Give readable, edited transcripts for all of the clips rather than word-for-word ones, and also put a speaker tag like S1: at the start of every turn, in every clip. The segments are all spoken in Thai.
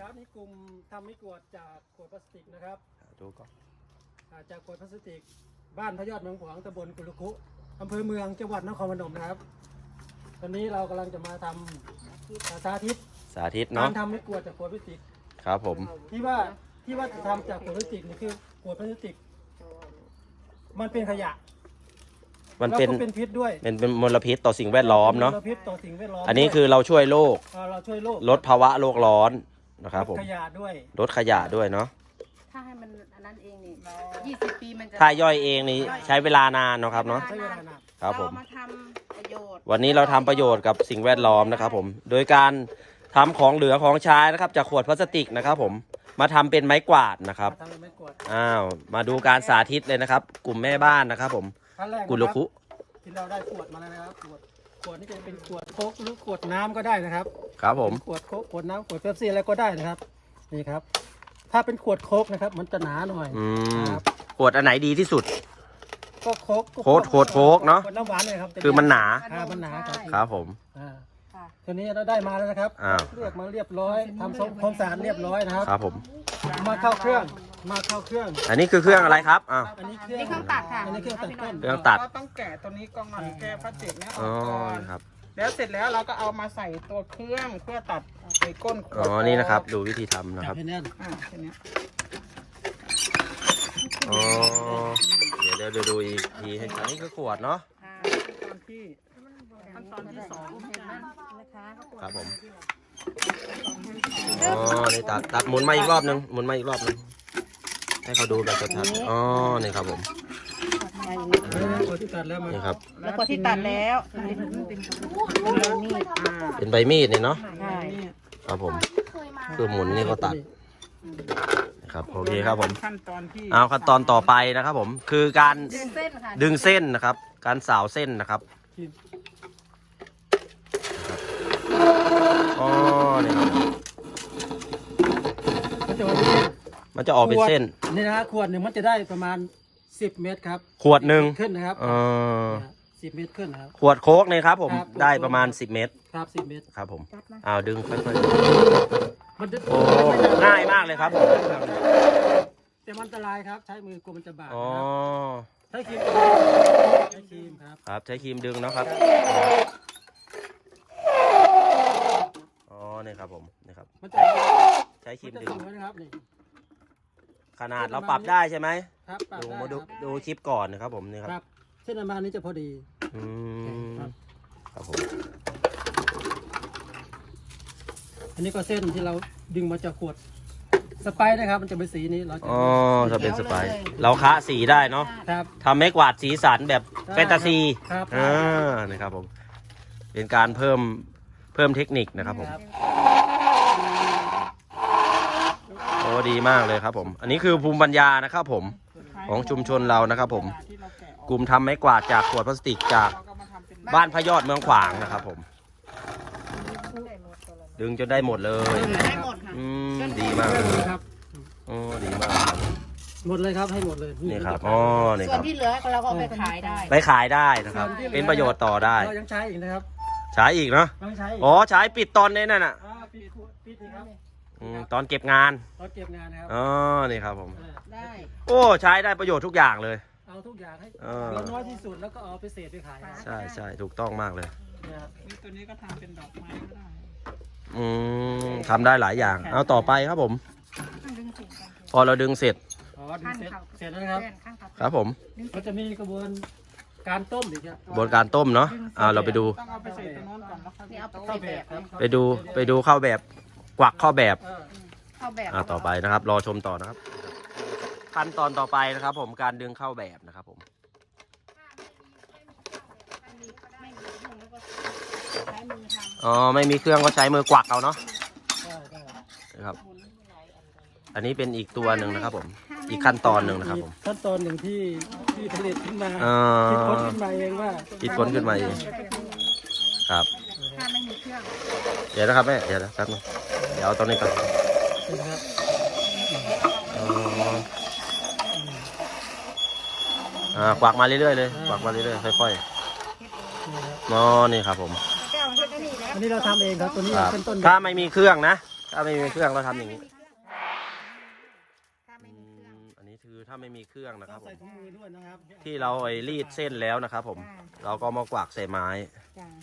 S1: ครับนี่กลุ่มทำไม้กวาดจากขวดพลาสติกนะครับ
S2: ดูก่อน
S1: จากขวดพลาสติกบ้านพระยอดเมืองขวางตำบลกุลุคุอำเภอเมืองจังหวัดนครพนมนะครับตอนนี้เรากำลังจะมาทำสาธิตเนาะการทำไม้กวาดจากขวดพลาสติก
S2: ครับผม
S1: ที่ว่าจะทำจากขวดพลาสติกนี่คือขวดพลาสติกมันเป็นขยะ
S2: มันเป็น
S1: พิษด้วย
S2: เป็นมลพิษต่อสิ่งแวดล้อมเนาะ
S1: มลพิษต่อสิ่งแวดล้อม
S2: อันนี้คือเราช่วยโลกลดภาวะโลกร้อนนะครับผม
S1: ลดขยะ
S2: ด้วยเนาะ
S3: ถ้าให้มันอันนั้นเองนี่20 ปีมันจะ
S2: ถ้าย่อยเองนี่ใช้เวลานานเนาะครับเนาะครับผม
S3: มาทำประโยชน์
S2: วันนี้เราทำประโยชน์กับสิ่งแวดล้อมนะครับผมโดยการทำของเหลือของใช้นะครับจากขวดพลาสติกนะครับผมมาทำเป็นไม้กวาดนะครับมาดูการสาธิตเลยนะครับกลุ่มแม่บ้านนะครับผมกุลคุ
S1: ที่เราได้ขวดมาแล้วนะครับขวดนี่จะเป็นขวดโค้กหรือขวดน้ำก็ได้นะครับ
S2: ครับผม
S1: ขวดโค้กขวดน้ำขวดเป๊ปซี่อะไรก็ได้นะครับนี่ครับถ้าเป็นขวดโค้กนะครับมันจะหนาหน่อย
S2: ขวดอันไหนดีที่สุด
S1: ก็โค้ก
S2: เนาะ
S1: ขวดน้ำหวานเลยครับ
S2: คือมันหนา
S1: ครับ
S2: ผม
S1: ตัวนี้เราได้มาแล้วนะครับเลือกมาเรียบร้อยทำความสะอาดเรียบร้อยนะครับ
S2: ครับผม
S1: มาเข้าเครื่อง
S2: อันนี้คือเครื่องอะไรครับ
S1: อันนี้เครื่องตัดค่ะอันนี้เครื่องตัดต้น
S4: ต้องแกะตัวนี้ก่อนแกะพลาสติกเนี่ยออก
S2: ก่
S4: อนแล้วเสร็จแล้วเราก็เอามาใส่ตัวเครื่องเพื่อตัดใส่ก้นขวด
S2: นี่นะครับดูวิธีทำนะครับ
S1: แค่นี้
S2: เดี๋ยวดูอีกทีให้อันนี้คือขวดเนาะ
S4: ขั้นตอนที่2
S2: ครับผมนี่ตัดหมุนมาอีกรอบนึงให้เขาดูแบบชัดๆนี่ครับผมนี่ครับ
S3: แล้วก็ที่ตัดแล้ว
S2: เป็นใบมีดนี่เนาะครับผมคือหมุนนี่ก็ตัดนะครับโอเคครับผมขั้นตอนต่อไปนะครับผมคือการดึงเส้นนะครับการสาวเส้นนะครับนี่ครับมันจะออกเป็นเส้น
S1: นี่นะขวดหนึ่งมันจะได้ประมาณ10 เมตรครับ
S2: ขวดหนึ่ง
S1: ขึ้นนะครับ10 เมตรขึ้นนะครับ
S2: ขวดโค้กเนี่ยครับผมได้ประมาณ10 เมตร
S1: ครับ10 เมตร
S2: ครับผมดึงค่อย
S1: ๆมัน
S2: ง่ายมากเลยครับผม
S1: แต่มันอันตรายครับใช้มือกลัวมันจะบาดใช้ครีม
S2: ครับใช้ครีมดึงนะครับนี่ครับผมนี่ครับใช้ครีมดึงขนาดเราปรับได้ใช่ไหม
S1: ครับ
S2: ดูคลิปก่อนนะครับผมนี่ครับ
S1: เส้นประมาณนี้จะพอดี
S2: ครับผม
S1: อันนี้ก็เส้นที่เราดึงมาจากขวดสไปร์นะครับมันจะเป็นสีนี้เรา
S2: จะเป็นสไปร์เราคะสีได้เนาะทำไม้กวาดสีสันแบบแฟนตาซีนี่ครับผมเป็นการเพิ่มเทคนิคนะครับผมดีมากเลยครับผมอันนี้คือภูมิปัญญานะครับผมของชุมชนเรานะครับผมกลุ่มทำไม้กวาดจากขวดพลาสติกจากบ้านพระยอดเมืองขวางนะครับผมดึงจนได้หมดเลยดีมากเลย
S1: ครับ
S2: ดีมาก
S1: หมดเลยครับให้หมดเลย
S2: นี่ครับนี่
S3: ส่วนที่เหลือเราก็ไปขาย
S2: ได้นะครับเป็นประโยชน์ต่อได้
S1: เรายังใช้อีกนะครับ
S2: ใช้อีกเนาะใช้ปิดตอนนี้นั่นน่ะตอนเก็บงานนะครับนี่ครับผมได้ใช้ได้ประโยชน์ทุกอย่างเลย
S1: เอาทุกอย่างให้น้อยที่สุดแล้วก็เอาไปเศษไปขาย
S2: ใช่ถูกต้องมากเลย
S4: ตัวนี้ก็ทำเป็นดอกไม้ก็ได้
S2: ทำได้หลายอย่างเอาต่อไปครับผมพอเราดึงเสร็จ
S1: แล้วนะครับ
S2: ครับผม
S1: ก็จะมีกระบวนการต้มอีกครับ
S2: กระบวนการต้มเนาะเราไปดูไปดูเข้าแบบกวักเข้าแบบต่อไปนะครับรอชมต่อนะครับขั้นตอนต่อไปนะครับผมการดึงเข้าแบบนะครับผมไม่มีเครื่องก็ใช้มือกวักเอาเนาะนะครับอันนี้เป็นอีกตัวหนึ่งนะครับผมอีกขั้นตอนหนึ่งนะครับผม
S1: ขั้นตอนหนึ่งที่ผลิตขึ้นมาคิดค้นขึ้นมาเองว่า
S2: คิดค้นขึ้นมาเองครับเดี๋ยวนะครับแม่เดี๋ยวแป๊บนึงเดี๋ยวเอาตอนนี้ก่อนกวักมาเรื่อยๆเลยกวักมาเรื่อยๆค่อยๆนี่ครับผม
S1: อันนี้เราทำเองครับตัวนี้เป็นต้น
S2: ถ้าไม่มีเครื่องนะถ้าไม่มีเครื่องเราทำอย่างนี้
S3: ถ้าไม่มีเครื่อง
S2: อันนี้คือถ้าไม่มีเครื่องนะครับผ
S1: ใส่
S2: ม
S1: ถุงมือด้วยนะครับ
S2: ที่เราไอ้รีดเส้นแล้วนะครับผม เราก็มากวากใส่ไม้
S3: จ้ะ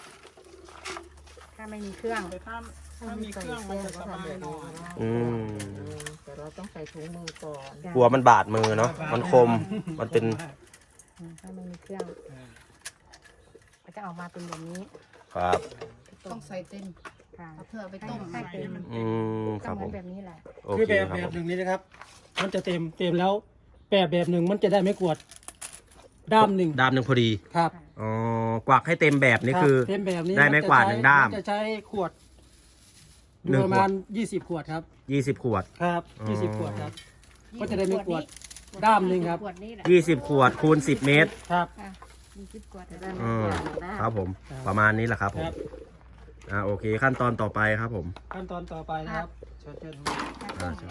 S3: ถ้าไม่มีเครื่อง
S4: แต่ถ้ามีเครื่องมันจะสบายหน่อย
S2: อืม
S5: แต่เราต้องใส่ถุงมือก่อน
S2: กลัวมันบาดมือเนาะ มันคม มันเป็น
S3: ถ้าไม่มีเครื่องก็จะออกมาเป็นแบบนี้
S2: ครับ
S3: ต้องใส่เต็มค่ะเพื่อไปต้มให้เต็ม
S2: อืมค
S3: ก็
S2: รับ
S3: เหมื
S2: ผ
S3: อน
S2: ม
S3: แบบนี้แหละ
S2: โอ
S1: คือ
S2: เค
S1: แบบ
S2: ครับ
S1: แบ
S2: ผ
S1: บ
S2: ม
S1: หนึ่งนี้นะครับ มันจะเต็มแล้วแบบหนึ่งมันจะได้ไม่กวดด้ามหนึ่ง
S2: ด้ามหนึ่งพอดี
S1: ครับ
S2: อ๋อกวักให้เต็มแบบนี่คือ
S1: รับเต็มแบบนี้
S2: ได้ไม้กวาดหนึ่งด้าม
S1: นจะใช้ขวด
S2: หนึ่ง
S1: ประมาณ20 ขวดครับ
S2: 20 ขวด
S1: ครับ
S2: อ๋อ
S1: 20 ขวดครับ ก็จะได้ไม่กวดด้ามหนึ่งครับ
S3: ขวดนี้แหละ
S2: 20 ขวดคูณ10 เมตร
S1: ครับ
S3: 20 ขวดจะได้
S2: อืมครับผม ประมาณนี้แหละครับผ
S1: ค
S2: ม
S1: รับ
S2: โอเค ขั้นตอนต่อไปครับผม
S1: ขั้นตอนต่อไปนะครับเชิญ
S2: อ่าใช่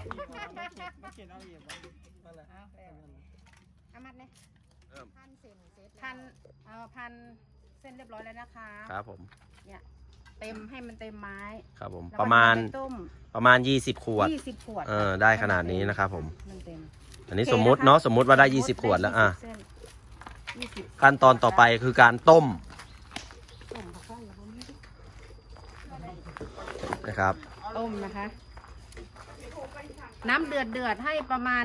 S3: อามัดเนี่ยพันเส้นเสร็จพันเส้นเรียบร้อยแล้วนะคะ
S2: ครับผม
S3: เนี่ยเต็มให้มันเต็มไม้
S2: ครับผม
S3: แล้ว
S2: ประมาณ
S3: ก็ต้ม
S2: 20 ขวด
S3: 20 ขวด
S2: ได้ขนาดนี้นะครับผม
S3: มันเต็ม
S2: อันนี้สมมุติเนาะ สมมุติว่าได้ 20 ขวดแล้ว
S3: 20เส้น20
S2: ขั้นตอนต่อไปคือการต้ม
S3: ต้มผักไส้อย่างนี้
S2: นะครับ
S3: ต้มนะคะ น้ำเดือดให้ประมาณ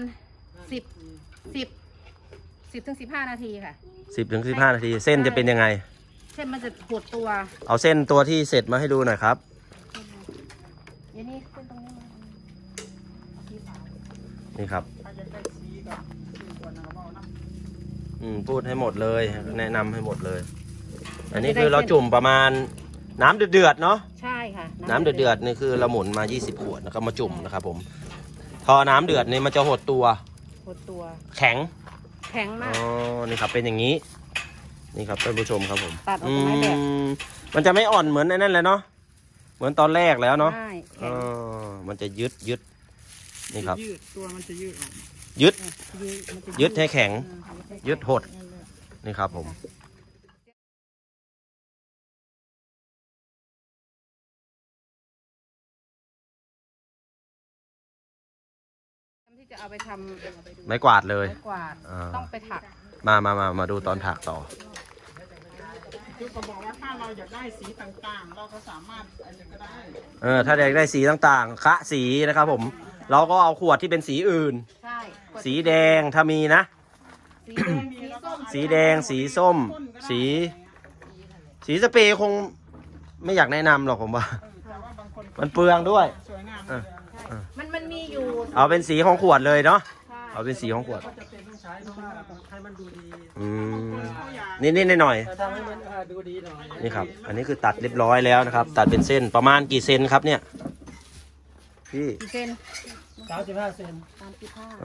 S3: 10 ถึง 15 นาทีค่ะ
S2: 10 ถึง 15 นาที เส้นจะเป็นยังไง
S3: เส้นมันจะหดตัว
S2: เอาเส้นตัวที่เสร็จมาให้ดูหน่อยครับ
S3: อย่างนี้เส้นตรงนี้มาสีขาว
S2: นี่ครับ
S4: ถ้าจะได้สีกับสีขวดนะครับเอาน้ำ
S2: พูดให้หมดเลย แนะนำให้หมดเลย อันนี้คือเราจุ่มประมาณน้ำเดือดๆเนาะ
S3: ใช่ค่ะ
S2: น้ำเดือดๆนี่คือเราหมุนมา 20 ขวดแล้วก็มาจุ่มนะครับผม พอน้ำเดือดนี่มันจะหดตัว
S3: หดตัว
S2: แข็ง
S3: แข็ง
S2: อ๋
S3: มา
S2: อ
S3: ก
S2: นี่ครับเป็นอย่างนี้ นี่ครับท่านผู้ชมครับผม
S3: ตัดออกจากไม้แบบ
S2: มันจะไม่อ่อนเหมือนไอ้นั่นเลยเนาะ เหมือนตอนแรกแล้วเนาะ
S3: ใช่
S2: เอ
S3: แข็ง
S2: มันจะยึด นี่ครับ
S4: ยืดตัวมันจะยืดออก
S2: ยึด
S3: มันจะ
S2: ยึดให้แข็ง
S3: อืม
S2: ยึดหด นี่ครับผม
S3: ที่จะเอาไปทำ
S2: ไม้กวาดเลย
S3: ไม้กวาด
S2: อ่า
S3: ต้องไปถัก
S2: มาดูตอนถักต่อ
S4: คือเขาบอกว่าถ้าเราอยากได้สีต่างๆ เราก็สามารถอะไรก็ได้
S2: ถ้าอยากได้สีต่างๆ คะสีนะครับผม เราก็เอาขวดที่เป็นสีอื่น
S3: ใช่
S2: สีแดงถ้ามีนะ
S3: สีแดงสีส้ม
S2: สีแดง สีส้ม สีสเปรย์คงไม่อยากแนะนำหรอกผมว่า
S4: แต่ว่าบางคน
S2: มันเปลืองด้วย
S4: สวยงาม
S2: เออ
S3: มันมีอยู่
S2: เอาเป็นสีของขวดเลยเนาะ
S3: ใช่
S2: เอาเป็นสีของขวด
S1: ก็จะเป็นต้องใช้เพราะว่าให้มันดูดี
S2: อืมนิดๆหน่อย
S1: แต่ทำให้มันดูดีหน่อย
S2: ๆนี่ครับ อันนี้คือตัดเรียบร้อยแล้วนะครับ ตัดเป็นเส้นประมาณกี่เซนครับเนี่ย พี่
S3: กี่เส้น
S1: 35 เซน
S3: 35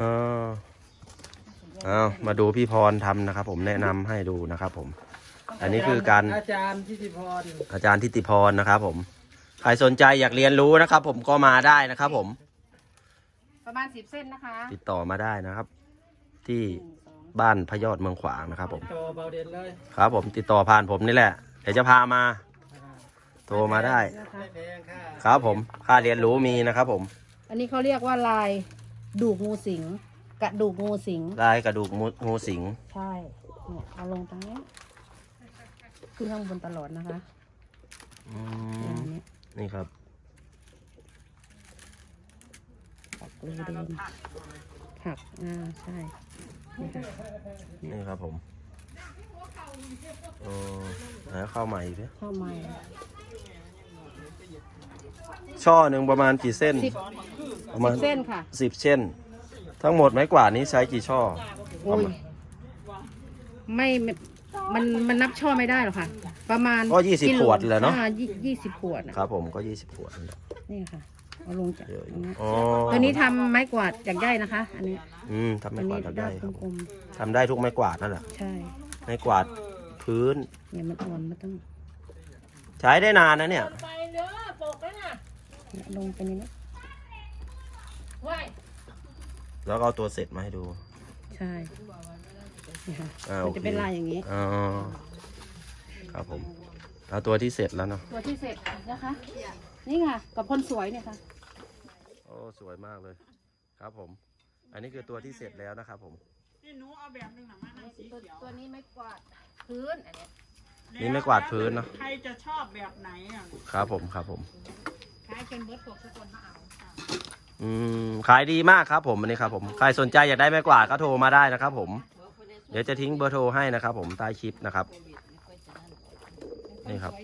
S2: เอามาดูพี่พรทำนะครับ ผมแนะนำให้ดูนะครับผม อันนี้คือการ
S1: อาจารย์ทิติพร
S2: อาจารย์ทิติพรนะครับผม ใครสนใจอยากเรียนรู้นะครับ ผมก็มาได้นะครับผม
S3: ประมาณ10 เส้นนะคะ
S2: ติดต่อมาได้นะครับ ที่บ้านพระยอดเมืองขวางนะครับผม
S1: โตเบาเด่นเลย
S2: ครับผมติดต่อผ่านผมนี่แหละ เดี๋ยวจะพามา โทรมาได้
S1: ไม่แพงค่ะ
S2: ครับผมค่าเรียนรู้มีนะครับผม
S3: อันนี้เขาเรียกว่าลายดูกงูสิงกระดูกงูสิง
S2: ลายกระดูกงูสิง
S3: ใช่เนี่ยเอาลงตรงนี้ขึ้นข้างบนตลอดนะคะ
S2: อื
S3: อย่
S2: ม
S3: างนี้
S2: นี่ครับ
S3: ปักรูเดิมผักใช่นี่ค่ะ
S2: นี่ครับผมแล้วเข้าใหม่อีกไหม
S3: ข้าวไม้
S2: ช่อหนึ่งประมาณกี่เส้น
S3: 10
S2: ประมาณ
S3: เส้นค่ะ
S2: 10 เส้น ทั้งหมดไม้กวาดนี้ใช้กี่ช่อ
S3: โอ้ยไม่มันนับช่อไม่ได้หรอกค่ะ ประมาณ
S2: ก็20 ขวดเลยเนาะ
S3: 20 ขวดนะครับ
S2: ผมก็20 ขวดนั่นแหละ
S3: นี่ค่ะเอาลงจาก
S2: เยอะอ
S3: ตร
S2: ยู่
S3: งนี้
S2: อ๋อ
S3: ตัวนี้ทำไม้กวาดจากได้นะคะ อันนี้
S2: ทำไม้
S3: อัน
S2: กวา
S3: นี้
S2: ดทำได้
S3: ด้าม
S2: ครับ
S3: กลม
S2: ทำได้ทุกไม้กวาดนั่นแหละ
S3: ๆใช่
S2: ไม้กวาดพื้น
S3: เนี่ยมันอ่อนมันต้อง
S2: ใช้ได้นานนะเนี่ย
S3: เนี่ยลงไปในนี้
S2: แล้วก็เอาตัวเสร็จมาให้ดู
S3: ใช่นี่ค่ะ
S2: อ่า
S3: มันจะเป็น
S2: โอเค
S3: ลายอย่างนี้
S2: อ๋อครับผมเอาตัวที่เสร็จแล้วเนาะ
S3: ตัวที่เสร็จนะคะ นี่ค่ะกับคนสวยเนี่ยค่ะ
S2: โอ้สวยมากเลยครับผม อันนี้คือตัวที่เสร็จแล้วนะครับผม
S4: นี่หนูเอาแบบหนึงหนังมาให้สีเขียว
S3: ตัวนี้ไม่กวาดพื้นอันเนี้ย
S2: นี่ไม่กวาดพื้นเนอะ
S4: ใครจะชอบแบบไหนอ่ะ
S2: ครับผมครับผม
S3: ขายจนเบิร์ด6 คนมาเอา
S2: ขายดีมากครับผมอันนี้ครับผมใครสนใจอยากได้ไม้กวาดก็โทรมาได้นะครับผม เดี๋ยวจะทิ้งเบอร์โทรให้นะครับผมใต้คลิปนะครับ นี่ครับ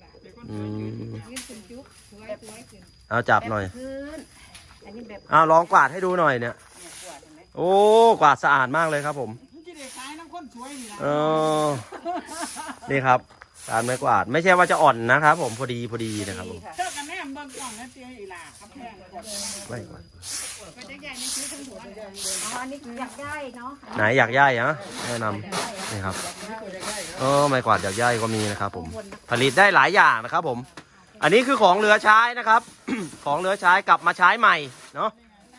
S2: เอาจับหน่อย
S3: พื้นอันนี้แบบ
S2: เอาลองกวาดให้ดูหน่อยเนี่ย โอ้กวาดสะอาดมากเลยครับผม
S4: มันจะได้ขายน้ำข้นสวยนี่นะ
S2: เออนี่ครับการไม้กวาดไม่ใช่ว่าจะอ่อนนะครับผมพอดีนะครับผม
S4: เจ้ากันแน่เบิ่งกล่องนะเตี้ยอีหล่าครับแพงกว่า
S2: ไม่กวาด
S3: อ๋ออันนี้อยากได้เนาะ
S2: ไหนอยากย่ายฮะแนะนำนี่ครับไม้กวาดอยากย่ายก็มีนะครับผมผลิตได้หลายอย่างนะครับผม อันนี้คือของเหลือใช้นะครับ ของเหลือใช้กลับมาใช้ใหม่เนาะ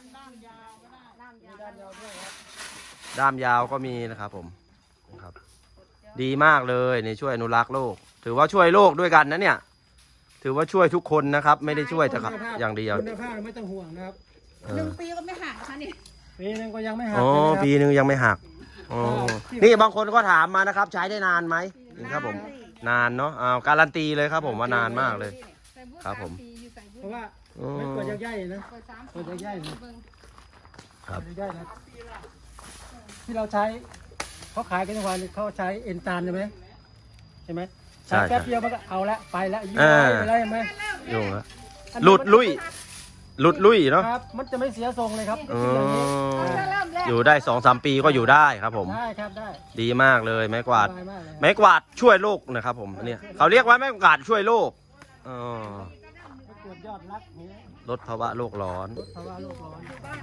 S2: ด้ามยาวก็มีนะครับผมนะครับ ดีมากเลยนี่ช่วยอนุรักษ์โลก ถือว่าช่วยโลกด้วยกันนะเนี่ย ถือว่าช่วยทุกคนนะครับ ไม่ได้ช่วยแต่อย่างเดียว
S1: คุณภาพไม่ต้องห่วงนะครับ
S3: 1 ปีก็ไม่ห่างค่ะนี่
S1: ปีนึงก็ยังไม่หัก
S2: อ๋อ
S1: เลยนะครับ
S2: ปีนึงยังไม่หักอ๋อนี่บางคนก็ถามมานะครับ ใช้ได้นานไหมนี่ครับผม นานเนาะการันตีเลยครับผมว่านานมากเลย ครับผม
S1: เพราะว่า
S2: อ๋อ
S1: ไม่กวดยักษ์ใหญ่นะกวดยักษ์ใหญ่นะครับ กวดยักษ์ใหญ่นะที่เราใช้เขาขายกันทุกวันเขาใช้เอ็นตาลใช่ไหมใช่ไหม
S2: ใช่
S1: แป๊บเดียวมันก็เอาละไปละยืด
S2: อ่า
S1: ไปแล้วใช่ไหม
S2: ยุ่งละหลุดลุยเนาะ
S1: ครับ มันจะไม่เสียทรงเลยครับ
S2: อ๋อ
S1: อย่างนี้
S2: อยู่ได้2-3 ปีก็อยู่ได้ครับผม
S1: ได้ครับได้
S2: ดีมากเลยไม้กวาด
S1: สบยมากเลย
S2: ไม้กวาดช่วยโลกนะครับผมเนี่ยเขาเรียกว่าไม้กวาดช่วยโลกอ๋อ
S1: ไม่กวดยอดรักนี้
S2: ลดภาวะโลกร้อน
S1: เพราะว่าโลกร้อน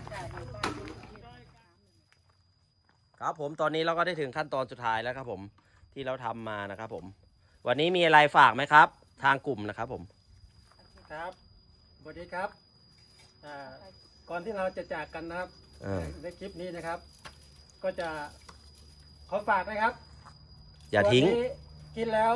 S2: ครับผมตอนนี้เราก็ได้ถึงขั้นตอนสุดท้ายแล้วครับผมที่เราทำมานะครับผม วันนี้มีอะไรฝากไหมครับ ทางกลุ่มนะครับผม
S1: ครับสวัสดีครับก่อนที่เราจะจากกันนะครับ ในคลิปนี้นะครับ ก็จะขอฝากนะครับ
S2: อย่าทิ้ง
S1: ตัวนี้กินแล้ว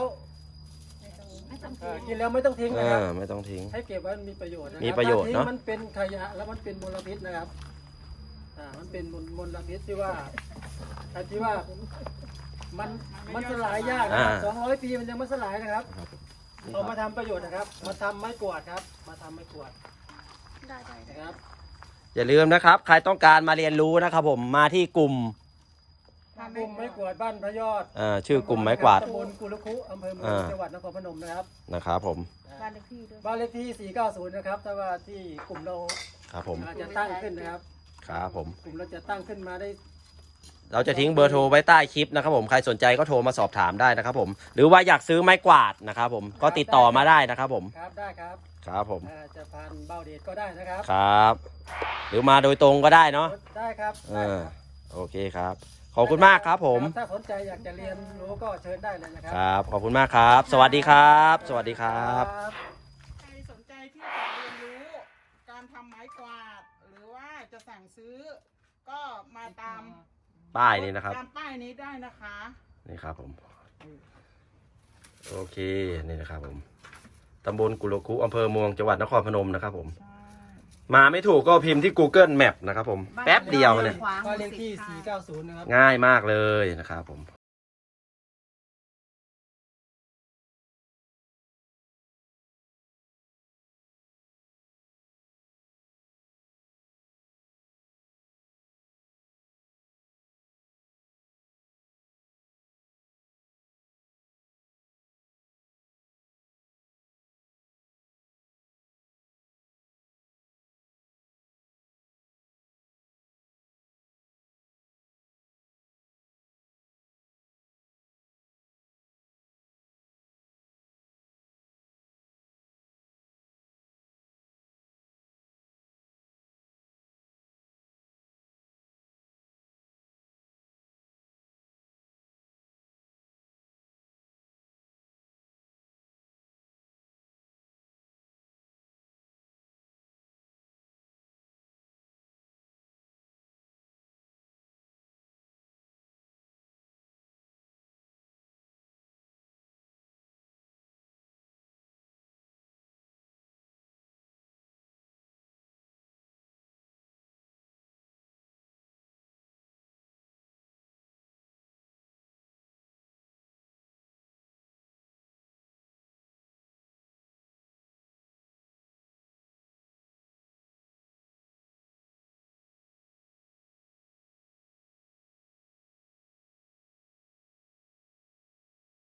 S1: กินแล้วไม่ต้องทิ้งนะครับ
S2: ไม่ต้องทิ้ง
S1: ให้เก็บไว้มันมีประโยชน์นะครับ
S2: มีประโยชน์
S1: ถ้าทิ้ง
S2: เนอะ
S1: มันเป็นขยะแล้วมันเป็นมลพิษนะครับมันเป็นมลพิษที่ว่ามันสลายยากนะครับ200 ปีมันยังไม่สลายนะครับเอามาทำประโยชน์นะครับ มาทำไม้กวาดครับ มาทำไม้กวาดนะครับ
S2: อย่าลืมนะครับ ใครต้องการมาเรียนรู้นะครับผมมาที่กลุ่ม
S1: กลุ่มไม้กวาดบ้านพระยอด
S2: ชื่อกลุ่มไม้กวาด
S1: ตำบลกุลคุอำเภอเมืองจังหวัดนครพนมนะครับ
S2: นะครับผม
S3: บ้านเลขที่ด้วย
S1: บ้านเลขที่ 490 นะครับแต่ว่าที่กลุ่มเรา
S2: ครับผม
S1: จะตั้งขึ้นนะครับ
S2: ครับผม
S1: กลุ่มเราจะตั้งขึ้นมาได้
S2: เราจะทิ้งเบอร์โทรไว้ใต้คลิปนะครับผมใครสนใจก็โทรมาสอบถามได้นะครับผมหรือว่าอยากซื้อไม้กวาดนะครับผมก็ติดต่อมาได้นะครับผม
S1: ครับได้ครับ
S2: ครับผม
S1: จะผ่านเบาเดชก็ได้นะครับ
S2: ครับ หรือมาโดยตรงก็ได้เนาะ
S1: ได้ครับได้ครับ
S2: โอเคครับ ขอบคุณมากครับผม
S1: ถ้าสนใจอยากจะเรียนรู้ก็เชิญได้เลยนะครั
S2: ครับ ขอบคุณมากครับ สวัสดีครับ สวัสดีครับ
S4: ใครสนใจที่จะเรียนรู้การทำไม้กวาด หรือว่าจะสั่งซื้อ ก็มาตาม
S2: ป้ายนี่นะครับ
S4: ตามป้ายนี้ได้นะคะ
S2: นี่ครับผม โอเค นี่นะครับผม ตำบลกุลคุอำเภอเมืองจังหวัดนครพนมนะครับผม มาไม่ถูกก็พิมพ์ที่ Google Map นะครับผม แป๊บเดียวเนี่ย
S1: บ้านเลขที่ 490 นะครับ
S2: ง่ายมากเลยนะครับผม